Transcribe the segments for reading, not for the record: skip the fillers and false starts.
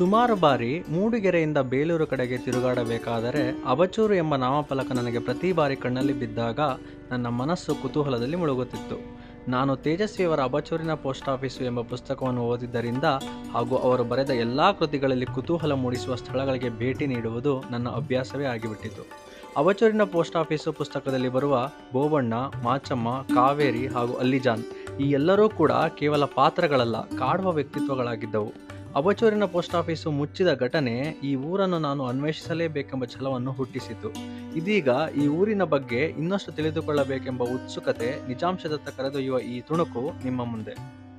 ಸುಮಾರು ಬಾರಿ ಮೂಡಿಗೆರೆಯಿಂದ ಬೇಲೂರು ಕಡೆಗೆ ತಿರುಗಾಡಬೇಕಾದರೆ ಅಬಚೂರು ಎಂಬ ನಾಮಫಲಕ ನನಗೆ ಪ್ರತಿ ಬಾರಿ ಕಣ್ಣಲ್ಲಿ ಬಿದ್ದಾಗ ನನ್ನ ಮನಸ್ಸು ಕುತೂಹಲದಲ್ಲಿ ಮುಳುಗುತ್ತಿತ್ತು. ನಾನು ತೇಜಸ್ವಿಯವರ ಅಬಚೂರಿನ ಪೋಸ್ಟ್ ಆಫೀಸು ಎಂಬ ಪುಸ್ತಕವನ್ನು ಓದಿದ್ದರಿಂದ ಹಾಗೂ ಅವರು ಬರೆದ ಎಲ್ಲ ಕೃತಿಗಳಲ್ಲಿ ಕುತೂಹಲ ಮೂಡಿಸುವ ಸ್ಥಳಗಳಿಗೆ ಭೇಟಿ ನೀಡುವುದು ನನ್ನ ಅಭ್ಯಾಸವೇ ಆಗಿಬಿಟ್ಟಿತು. ಅಬಚೂರಿನ ಪೋಸ್ಟ್ ಆಫೀಸು ಪುಸ್ತಕದಲ್ಲಿ ಬರುವ ಬೋಬಣ್ಣ, ಮಾಚಮ್ಮ, ಕಾವೇರಿ ಹಾಗೂ ಅಲ್ಲಿಜಾನ್ ಈ ಎಲ್ಲರೂ ಕೂಡ ಕೇವಲ ಪಾತ್ರಗಳಲ್ಲ, ಕಾಡುವ ವ್ಯಕ್ತಿತ್ವಗಳಾಗಿದ್ದವು. ಅಬಚೂರಿನ ಪೋಸ್ಟ್ ಆಫೀಸು ಮುಚ್ಚಿದ ಘಟನೆ ಈ ಊರನ್ನು ನಾನು ಅನ್ವೇಷಿಸಲೇಬೇಕೆಂಬ ಛಲವನ್ನು ಹುಟ್ಟಿಸಿತು. ಇದೀಗ ಈ ಊರಿನ ಬಗ್ಗೆ ಇನ್ನಷ್ಟು ತಿಳಿದುಕೊಳ್ಳಬೇಕೆಂಬ ಉತ್ಸುಕತೆ ನಿಜಾಂಶದತ್ತ ಕರೆದೊಯ್ಯುವ ಈ ತುಣುಕು ನಿಮ್ಮ ಮುಂದೆ.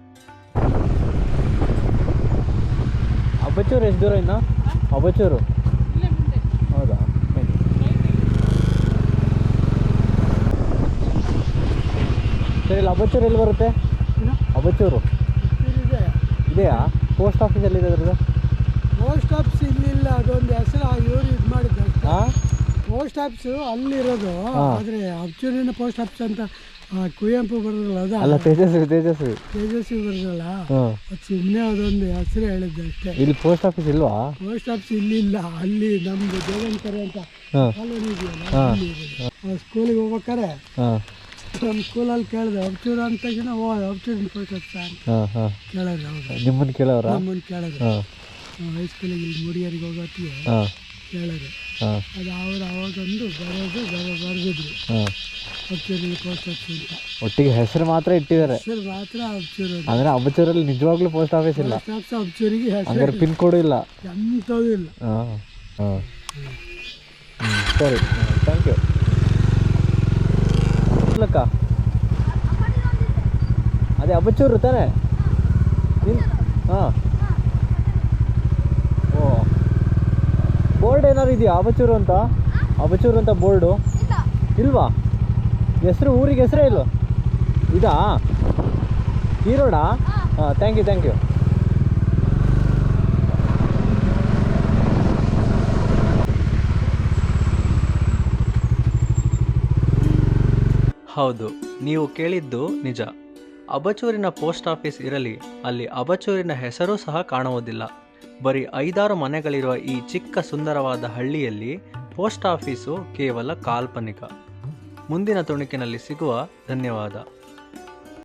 ಅಬಚೂರು ಎಷ್ಟು ದೂರ ಇನ್ನು? ಅಬಚೂರು ಹೌದಾ? ಸರಿ, ಇಲ್ಲಿ ಅಬಚೂರು ಎಲ್ಲಿ ಬರುತ್ತೆ? ಅಬಚೂರು ಇದೆಯಾ? ಪೋಸ್ಟ್ ಆಫೀಸ್ ಎಲ್ಲಿದೆ ಅದ್ರದ್ದು? ಪೋಸ್ಟ್ ಆಫೀಸ್ ಇಲ್ಲಿಲ್ಲ, ಅದೊಂದು ಹೆಸರು ಇವರು ಇದು ಮಾಡಿದ್ದು. ಪೋಸ್ಟ್ ಆಫೀಸು ಅಲ್ಲಿರೋದು, ಆದರೆ ಅಬಚೂರಿನ ಪೋಸ್ಟ್ ಆಫೀಸ್ ಅಂತ ಕುವೆಂಪು ಬರೋದಲ್ಲ, ಅಲ್ಲ ತೇಜಸ್ವಿ ಬರೋದಲ್ಲ, ಅದು ಸುಮ್ಮನೆ ಅದೊಂದು ಹೆಸರು ಹೇಳಿದ್ದು ಅಷ್ಟೇ. ಇಲ್ಲಿ ಪೋಸ್ಟ್ ಆಫೀಸ್ ಇಲ್ವಾ? ಪೋಸ್ಟ್ ಆಫೀಸ್ ಇಲ್ಲಿಲ್ಲ, ಅಲ್ಲಿ ನಮ್ದು ದೇವಂಕರೆ ಅಂತ ಕಾಲೋನಿ ಇದೆಯಲ್ಲ, ಸ್ಕೂಲಿಗೆ ಹೋಗ್ಬೇಕಾರೆ ನಮ್ಮ ಸ್ಕೂಲಲ್ಲಿ ಕೇಳಿದೆ ಅಬಚೂರು ಅಂತ ತಕ್ಷಣ ಅಬಚೂರಿನ ಪೋಸ್ಟ್ ಆಫೀಸ್ ಕೇಳಿದ್ರೆ. ಹೌದು, ನಮ್ಮನ್ನು ಕೇಳಿದ್ರೆ ಹೈಸ್ಕೂಲಿಗೆ ಇಲ್ಲಿ ಮೂಡಿಗೆರೆಗೆ ಹೋಗೋತ್ತಿಗೆ ಕೇಳಿದ್ರು. ಅದು ಅವರು ಅವಾಗೊಂದು ಬರೆದಿದ್ರು ಅಬಚೂರಿನ ಪೋಸ್ಟ್ ಆಫೀಸ್ ಅಂತ. ಒಟ್ಟಿಗೆ ಹೆಸರು ಮಾತ್ರ ಇಟ್ಟಿದ್ದಾರೆ, ಹೆಸರು ಮಾತ್ರ ಅಬಚೂರು. ಅಂದ್ರೆ ಅಬಚೂರಲ್ಲಿ ನಿಜವಾಗ್ಲೂ ಪೋಸ್ಟ್ ಆಫೀಸ್ ಇಲ್ಲ, ಅಬಚೂರಿಗೆ ಹಂಗಾರೆ ಪಿನ್ ಕೋಡ್ ಇಲ್ಲ, ಎಂಥದ್ದು ಇಲ್ಲ. ಸರಿ, ಥ್ಯಾಂಕ್ ಯು. ಅಕ್ಕ ಅದೇ ಅಬಚೂರು ತಾನೆ? ಹಾಂ, ಓ, ಬೋರ್ಡ್ ಏನಾದ್ರು ಇದೆಯಾ ಅಬಚೂರು ಅಂತ? ಅಬಚೂರು ಅಂತ ಬೋರ್ಡು ಇಲ್ವಾ? ಹೆಸರು, ಊರಿಗೆ ಹೆಸರೇ ಇಲ್ವ? ಇದಾ ಈ ರೋಡಾ? ಹಾಂ, ಥ್ಯಾಂಕ್ ಯು. ಹೌದು, ನೀವು ಕೇಳಿದ್ದು ನಿಜ. ಅಬಚೂರಿನ ಪೋಸ್ಟ್ ಆಫೀಸ್ ಇರಲಿ, ಅಲ್ಲಿ ಅಬಚೂರಿನ ಹೆಸರೂ ಸಹ ಕಾಣುವುದಿಲ್ಲ. ಬರೀ 5-6 ಮನೆಗಳಿರುವ ಈ ಚಿಕ್ಕ ಸುಂದರವಾದ ಹಳ್ಳಿಯಲ್ಲಿ ಪೋಸ್ಟ್ ಆಫೀಸು ಕೇವಲ ಕಾಲ್ಪನಿಕ. ಮುಂದಿನ ತುಣುಕಿನಲ್ಲಿ ಸಿಗುವ. ಧನ್ಯವಾದ.